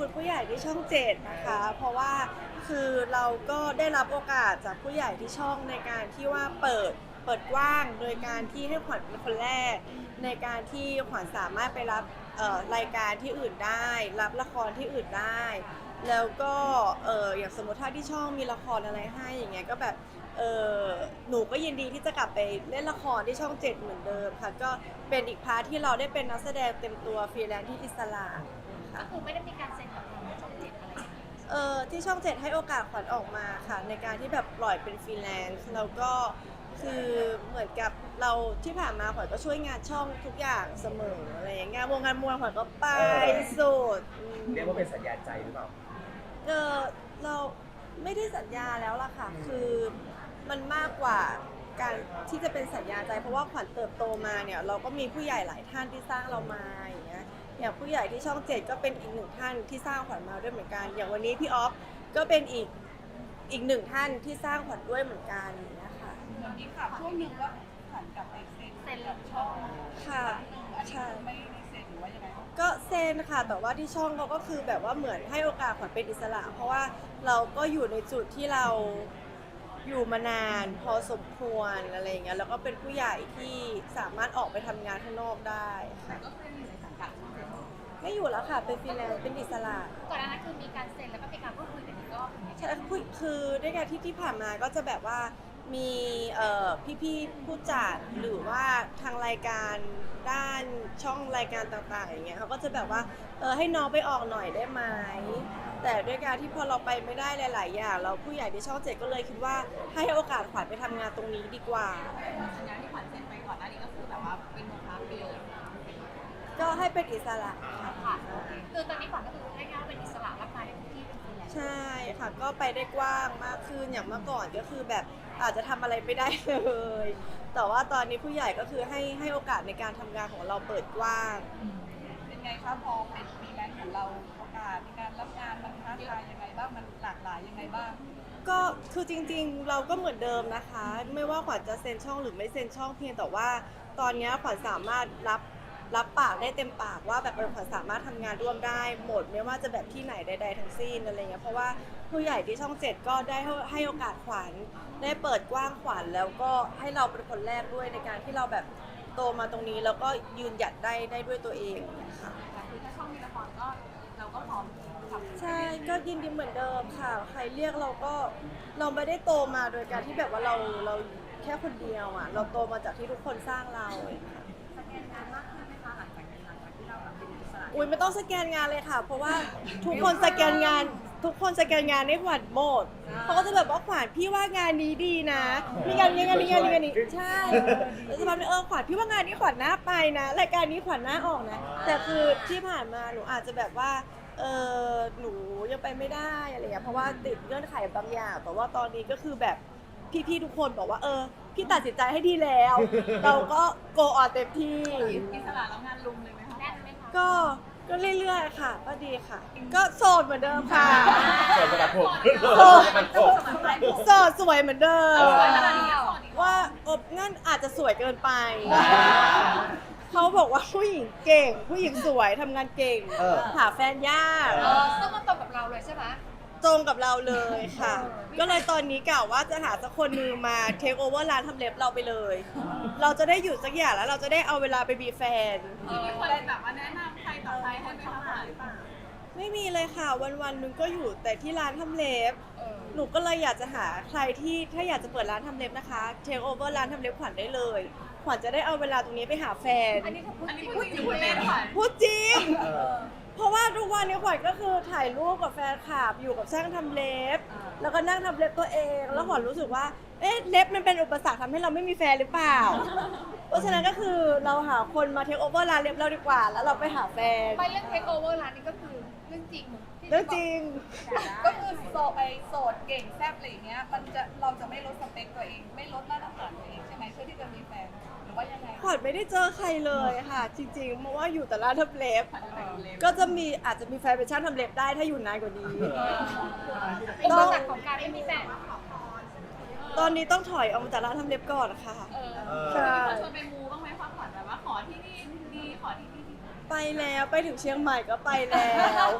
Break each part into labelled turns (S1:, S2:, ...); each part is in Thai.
S1: คุณผู้ใหญ่ที่ช่อง7นะคะเพราะว่าคือเราก็ได้รับโอกาสจากผู้ใหญ่ที่ช่องในการที่ว่าเปิดกว้างโดยการที่ให้ขวัญเป็นคนแรกในการที่ขวัญสามารถไปรับรายการที่อื่นได้รับละครที่อื่นได้แล้วก็อย่างสมมติถ้าที่ช่องมีละครอะไรให้อย่างเงี้ยก็แบบหนูก็ยินดีที่จะกลับไปเล่นละครที่ช่อง7เหมือนเดิมค่ะก็เป็นอีกพาร์ทที่เราได้เป็นนักแสดงเต็มตัวฟรีแลนซ์ที่อิสระค่ะ
S2: ก็คือไม่ได้มีการเซ็นกับทางช่องเจ็ดอะไรอย่างเงี้ย
S1: ที่ช่อง7ให้โอกาสขวัญออกมาค่ะในการที่แบบปล่อยเป็นฟรีแลนซ์แล้วก็คือเหมือนกับเราที่ผ่านมาขวัญก็ช่วยงานช่องทุกอย่างเสมออะไรอย่างเงี้ยวงการมวยขวัญก็ไปสุด
S3: เรียกว่าเป็นสัญญาใจหรือเปล่า
S1: เราไม่ได้สัญญาแล้วล่ะค่ะคือมันมากกว่าการที่จะเป็นสัญญาใจเพราะว่าขวัญเติบโตมาเนี่ยเราก็มีผู้ใหญ่หลายท่านที่สร้างเรามาอย่างเงี้ยอย่างผู้ใหญ่ที่ช่อง7ก็เป็นอีกหนึ่งท่านที่สร้างขวัญมาด้วยเหมือนกันอย่างวันนี้พี่ออฟก็เป็นอีกหนึ่งท่านที่สร้างขวัญด้วยเหมือนกันนะคะ
S4: มีข่าวช่วงหนึ่งว่าผันกลับไปเซ็นกับช่อง
S1: ค่ะ
S4: อันนี้
S1: ใช่
S4: ไม่ได้เซ็นหรือว่ายังไง
S1: ก็เซ็นค่ะแต่ว่าที่ช่องเขาก็คือแบบว่าเหมือนให้โอกาสขวัญเป็นอิสระเพราะว่าเราก็อยู่ในจุดที่เราอยู่มานานพอสมควรอะไรอย่างเงี้ยแล้วก็เป็นผู้ใหญ่ที่สามารถออกไปทำงานข้างนอกได้ค่ะ
S4: ก็คืออยู่ในสังกัดช่องเจ็ด
S1: ไม่อยู่แล้วค่ะเป็นฟรีแลนซ์เป็นอิสระ
S2: ก่อนหน้านั้นคือมีการเซ็นแล้วก็มีการพูดคุยกันอีกรอบหนึ่ง
S1: ใช่คือด้วยการที่ผ่านมาก็จะแบบว่ามีพี่ๆผู้จัดหรือว่าทางรายการด้านช่องรายการต่างๆอย่างเงี้ยเขาก็จะแบบว่าให้น้องไปออกหน่อยได้ไหมแต่ด้วยการที่พอเราไปไม่ได้หลายๆอย่างเราผู้ใหญ่ที่ช่อง7ก็เลยคิดว่าให้โอกาสขวัญไปทำงานตรงนี้ดีกว่า
S4: สัญญาที่ขวัญเซ็นไปก่อนหน้านี้ก็คือแบบว่าเป็นโมฆะไปเลย
S1: ก็ให้เป็นอิสระค่ะ
S2: ค่ะคือตอนนี้ขวัญก็คือง่ายๆว่าเป็นอิสระรับงานในทุกที่เป็นฟรีแลนซ์
S1: ใช่ค่ะก็ไปได้กว้างมากขึ้นอย่างเมื่อก่อนก็คือแบบอาจจะทำอะไรไม่ได้เลยแต่ว่าตอนนี้ผู้ใหญ่ก็คือให้โอกาสในการทำงานของเราเปิดกว้าง
S4: เป็นไงคะพอเป็นฟรีแลนซ์ของเราโอกาสในการรับงานมันท้าทายยังไงบ้างมันหลากหลายยังไงบ้าง
S1: ก็คือจริงๆเราก็เหมือนเดิมนะคะ ไม่ว่าขวัญจะเซ็นช่องหรือไม่เซ็นช่องเพียงแต่ว่าตอนนี้ขวัญสามารถรับปากได้เต็มปากว่าแบบขวัญสามารถทำงานร่วมได้หมดไม่ว่าจะแบบที่ไหนใดๆทั้งสิ้นอะไรเงี้ยเพราะว่าผู้ใหญ่ที่ช่อง7ก็ได้ให้โอกาสขวัญได้เปิดกว้างขวัญแล้วก็ให้เราเป็นคนแรกด้วยในการที่เราแบบโตมาตรงนี้แล้วก็ยืนหยัดได้ด้วยตัวเองค่ะ
S4: คือถ้าช่องมีละครก็เราก็พร้อมทำ
S1: ใช่ก็ยินดีเหมือนเดิมค่ะใครเรียกเราไม่ได้โตมาโดยการที่แบบว่าเราแค่คนเดียวอ่ะเราโตมาจากที่ทุกคนสร้างเราค่ะ
S4: สแกนงานมากขึ้นไหมคะหลังจากที่เราแบบเป็นอิสระ
S1: อุ้ยไม่ต้องสแกนงานเลยค่ะ เพราะว่าทุกคนสแกนงานให้ขวัญหมดเขาก็จะแบบว่าขวัญพี่ว่างานนี้ดีนะมีงานนี้ใช่แล้วจะมาเป็นขวัญพี่ว่างานนี้ขวัญน่าไปนะรายการนี้ขวัญน่าออกนะแต่คือที่ผ่านมาหนูอาจจะแบบว่าหนูยังไปไม่ได้อะไรอย่างเงี้ยเพราะว่าติดเงื่อนไขบางอย่างแต่ว่าตอนนี้ก็คือแบบพี่ๆทุกคนบอกว่าพี่ตัดสินใจให้ดีแล้ว เราก็โกออนเต็มที่
S4: อิสระแล้วงานลุมเลยไหมคะ
S2: แน่นไหมคะ
S1: ก็เรื่อยๆค่ะก็ดีค่ะ ก็โสดเหมือนเดิมค่ะ
S3: ส่วนประกันผม
S1: โสด
S3: ประกันผม
S1: โสดสวยเหมือนเดิม
S4: สวยขนาดนี้ก็สอนอีก
S1: ว่างั้นอาจจะสวยเกินไปเขาบอกว่าผู้หญิงเก่ง ผู้หญิงสวยทำงานเก่งหาแฟนยาก
S2: ซึ่งมันตรงกับเราเลยใช่ไหม
S1: ตรงกับเราเลยค่ะ ก็เลยตอนนี้กะว่าจะหาสักคนนึงมาเทคโอเวอร์ร้านทำเล็บเราไปเลย เราจะได้หยุดสักอย่างแล้วเราจะได้เอาเวลาไปมีแฟน
S4: มีคนแบบว่าแนะนำใครต่อใครให้ไปทำงานหรือเปล่า
S1: ไม่มีเลยค่ะวันๆนึงก็อยู่แต่ที่ร้านทำเล็บ หนูก็เลยอยากจะหาใครที่ถ้าอยากจะเปิดร้านทำเล็บนะคะเทคโอเวอร์ร้านทำเล็บขวัญได้เลยขวัญจะได้เอาเวลาตรงนี้ไปหาแฟน
S2: อันนี้เขาพูด
S4: อัน
S2: จ
S4: นี้
S2: ริง
S4: พูดจริงพูดเล่นค่ะ
S1: พูดจริง เพราะว่าทุกวันนี้ขวัญก็คือถ่ายรูปกับแฟนคลับอยู่กับช่างทำเล็บ แล้วก็นั่งทำเล็บตัวเอง แล้วขวัญรู้สึกว่าเล็บมันเป็นอุปสรรคทำให้เราไม่มีแฟนหรือเปล่า เพราะฉะนั้นก็คือเราหาคนมาเทคโอเวอร์ร้านเล็บเราดีกว่า แล้วเราไปหาแฟน
S2: ไปเรื่องเทคโอเวอร์ร้านนี้ก็คือเรื่องจริงที่
S1: เรื่องจริง
S4: ก็คือโสดเก่งแซ่บอะไรอย่างเงี้ยเราจะไม่ลดสเปคตัวเองไม่ลดมาตรฐานตัวเองใช่ไหมเพื่อที่จะมีแฟนหรือว่ายังไง
S1: ขวัญไม่ได้เจอใครเลยค่ะ จริงๆเพราะว่าอยู่แต่ร้านทำเล็บ ก็
S4: ก็
S1: จะอาจจะมีแฟนเป็นช่างทำเล็บได้ถ้าอยู่นานกว่านี้
S2: อุปสรรคของการไม่มีแฟน
S1: ตอนนี้ต้องถอยออกมาจากร้านทำเล็บก่อนค่ะ ใช่
S4: ชวนไปมูบ้างไหมคะขวัญแบบว่าขอที่นี่ดีขอที่นี่ดี
S1: ไปแล้วไปถึงเชียงใหม่ก็ไปแล้ว
S2: เ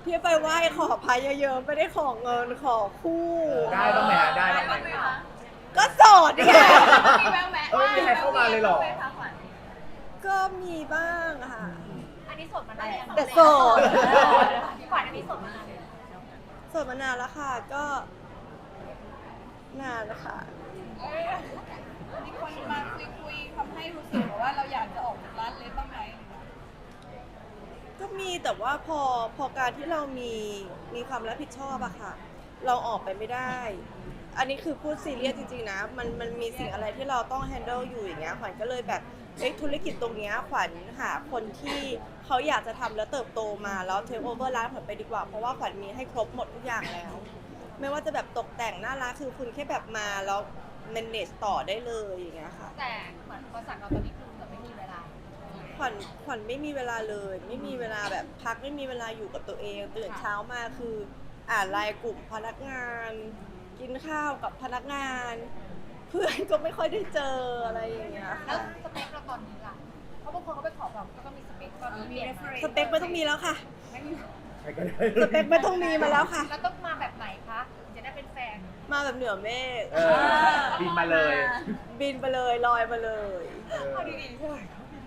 S1: ที่ไปไหว้ขอพระเยอะๆไม่ได้ขอเงินขอคู่
S3: ได้บ้างไหมฮะได้บ้างไหม
S1: ก็โสดไง
S4: มีแววแวะ
S3: เออไม่มีใครเข้ามาเลยเหรอ
S1: ก็มีบ้างค่ะ
S2: อันนี้สดมานานยัง
S1: แต่โสด
S2: พี่ขวัญอันนี้สดมานานเลย
S1: โสดมานานแล้วค่ะก็นานแล้วค่ะ
S4: มีคนมาคุยทำให้รู้สึกว่าเราอยากจะออกจากร้านเล็บบ้างไหม
S1: ก็มีแต่ว่าพอการที่เรามีความรับผิดชอบอะค่ะ เราออกไปไม่ได้ อันนี้คือพูดซีเรียสจริงๆนะมันมีสิ่งอะไรที่เราต้อง handle อยู่อย่างเงี้ยขวัญก็เลยแบบธุรกิจตรงเนี้ยขวัญหาคนที่เขาอยากจะทำแล้วเติบโตมาแล้วเทคโอเวอร์ร้านขวัญไปดีกว่าเพราะว่าขวัญมีให้ครบหมดทุกอย่างแล้ว ไม่ว่าจะแบบตกแต่งหน้าร้านคือคุณแค่แบบมาแล้ว manage ต่อได้เลยอย่างเงี้ยค่ะ
S2: แต่เหมือนบริษัทเราตอนนี้คือเหมือนไม่มีเวลา
S1: ขวัญไม่มีเวลาเลย ไม่มีเวลาแบบพักไม่มีเวลาอยู่กับตัวเองตื่นเช้ามาคืออ่านไลน์กลุ่มพนักงาน กินข้าวกับพนักงาน เพื่อนก็ไม่ค่อยได้เจออะไรอย่างเงี้ย
S2: แล้ว
S1: ค่ะ
S2: สเปคเราตอนนี้ล่ะเพราะบางคนเขาไปขอแบบก็มีสเปคตอนนี้เปลี่ยนไหม
S1: สเปคไม่ต้องมีแล้วค่ะ
S2: ไม่มี
S3: ใครก็ได้
S1: สเปคไม่ต้องมีมาแล้วค่ะ
S2: แล้วต้องมาแบบไหนคะถึงจะได้เป็นแฟน
S1: มาแบบเหนือเมฆ
S3: เออบินมาเลย
S1: บินไปเลยลอยมาเลย
S2: เอาดีๆใช่ไหม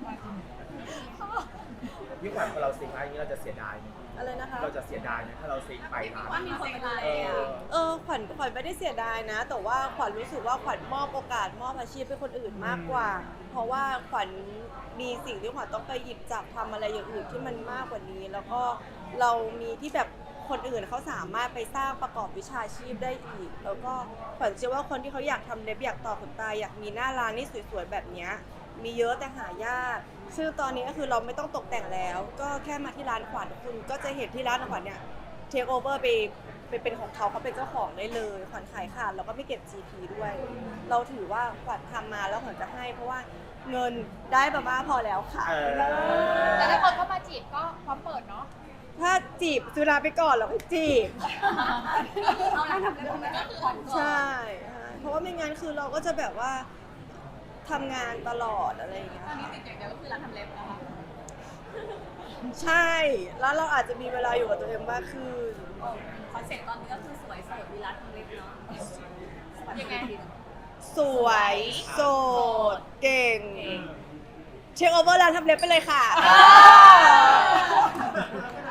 S3: พี่ขวัญพอเราซิงค์อะไรอย่างนี้เราจะเสียดายไหม
S1: อะไรนะคะ
S3: เราจะเสียดายไหมถ้าเราซิงค์ไปร้าน
S4: ว่ามีคนมาดูแล
S1: ขวัญไม่ได้เสียดายนะ แต่ว่าขวัญรู้สึกว่าขวัญมอบโอกาสมอบอาชีพให้คนอื่นมากกว่า เพราะว่าขวัญมีสิ่งที่ขวัญต้องไปหยิบจับทำอะไรอย่างอื่นที่มันมากกว่านี้ แล้วก็เรามีที่แบบคนอื่นเขาสามารถไปสร้างประกอบวิชาชีพได้อีก แล้วก็ขวัญเชื่อว่าคนที่เขาอยากทำเล็บอยากต่อขนตาอยากมีหน้าร้านที่สวยๆแบบเนี้ยมีเยอะแต่หายากซึ่งตอนนี้ก็คือเราไม่ต้องตกแต่งแล้ว ก็แค่มาที่ร้านขวัญคุณก็จะเห็นที่ร้านขวัญเนี่ยเทคโอเวอร์ไปเป็นของเขาเป็นเจ้าของได้เลยขวัญขายขาดแล้วก็ไม่เก็บ GP ด้วย เราถือว่าขวัญทำมาแล้วขวัญจะให้ เพราะว่าเงินได้ประมาณพอแล้วค่ะ
S3: เออ
S2: แต่ถ้าคนเข้ามาจีบก็พร้อมเปิดเนาะ
S1: ถ้าจีบสุราไปก่อนแล้วก็จีบ
S4: เอาร้านทำเล็บไหมผ่อนก่อน
S1: ใช่เพราะว่าไม่งั้นคือเราก็จะแบบว่าทำงานตลอดอะไรอย่างเงี้ย
S4: ตอนนี้ติดอย่างเดียวก็คือร้านทำเล็บนะคะ
S1: ใช่ แล้วเราอาจจะมีเวลาอยู่กับตัวเองมากขึ้น
S4: คอนเซ็ปต์ตอนนี้ก็คือสวยโสดมีร้านทำเล็บเนาะ
S2: ยังไง
S1: สวยโสดเก่ง เช็คโอเวอร์ร้านทำเล็บไปเลยค่ะ